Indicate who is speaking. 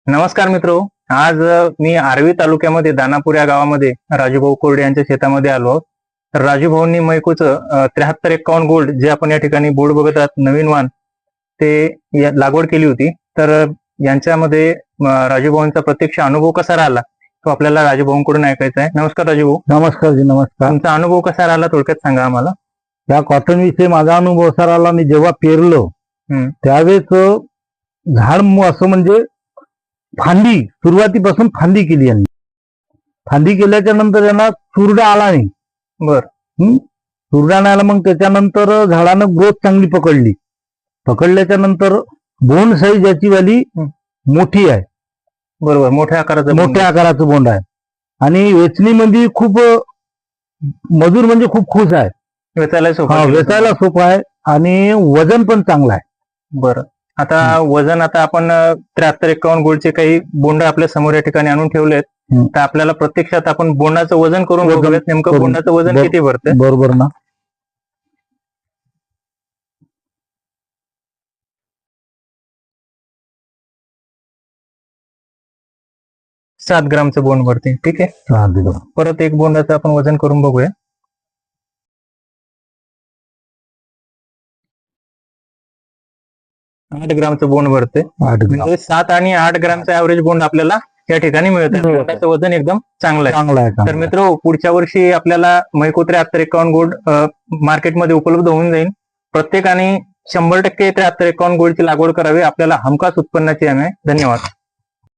Speaker 1: नमस्कार मित्रो, आज मी आर्वी तालुक्यामध्ये दानापूर या गावामध्ये राजूभाऊ कोरडे यांच्या शेतामध्ये आलो आहोत. तर राजूभाऊंनी मैकोचं 7351 गोल्ड जे आपण या ठिकाणी बोर्ड बघत आहात नवीन वाण ते लागवड केली होती. तर यांच्यामध्ये राजूभाऊंचा प्रत्यक्ष अनुभव कसा राहिला तो आपल्याला राजूभाऊंकडून ऐकायचा आहे. नमस्कार राजूभाऊ.
Speaker 2: नमस्कार जी, नमस्कार.
Speaker 1: तुमचा अनुभव कसा राहिला थोडक्यात सांगा आम्हाला.
Speaker 2: या कॉटन विषयी माझा अनुभव असा राहिला, मी जेव्हा पेरलो त्यावेळेस झाड असं म्हणजे फांदी सुरुवातीपासून फांदी केली यांनी. फांदी केल्याच्या नंतर यांना चुरडा आला नाही.
Speaker 1: बर.
Speaker 2: चुरडा नाही आला. मग त्याच्यानंतर झाडानं ग्रोथ चांगली पकडली. पकडल्याच्या नंतर बोंड साईज याची वाली मोठी आहे.
Speaker 1: बरोबर. मोठ्या आकाराचं
Speaker 2: बोंड आहे आणि वेचणीमध्ये खूप मजूर म्हणजे खूप खुश आहे.
Speaker 1: वेचायला
Speaker 2: सोपं आहे आणि वजन पण चांगलं आहे.
Speaker 1: बरं. आता वजन आता आपण 7351 गोल्डचे काही बोंड आपल्या समोर या ठिकाणी आणून ठेवलेत. तर आपल्याला प्रत्यक्षात आपण बोंडाचं वजन करून बघूयात नेमकं बोंडाचं वजन किती भरतं.
Speaker 2: बरोबर ना.
Speaker 1: 7 ग्रामचं बोंड भरते. ठीक आहे. परत एक बोंडाचं आपण वजन करून बघूया. 8 ग्रामचं बोंड भरते. म्हणजे 7 आणि 8 ग्रामचं ऍव्हरेज बोंड आपल्याला या ठिकाणी मिळतं. बोंडाचं वजन एकदम चांगलं आहे. तर मित्र, पुढच्या वर्षी आपल्याला मैको 7351 गोल्ड मार्केटमध्ये उपलब्ध होऊन जाईल. प्रत्येकाने 100% 7351 गोल्डची लागवड करावी. आपल्याला हमखास उत्पन्नाची हमी आहे. धन्यवाद.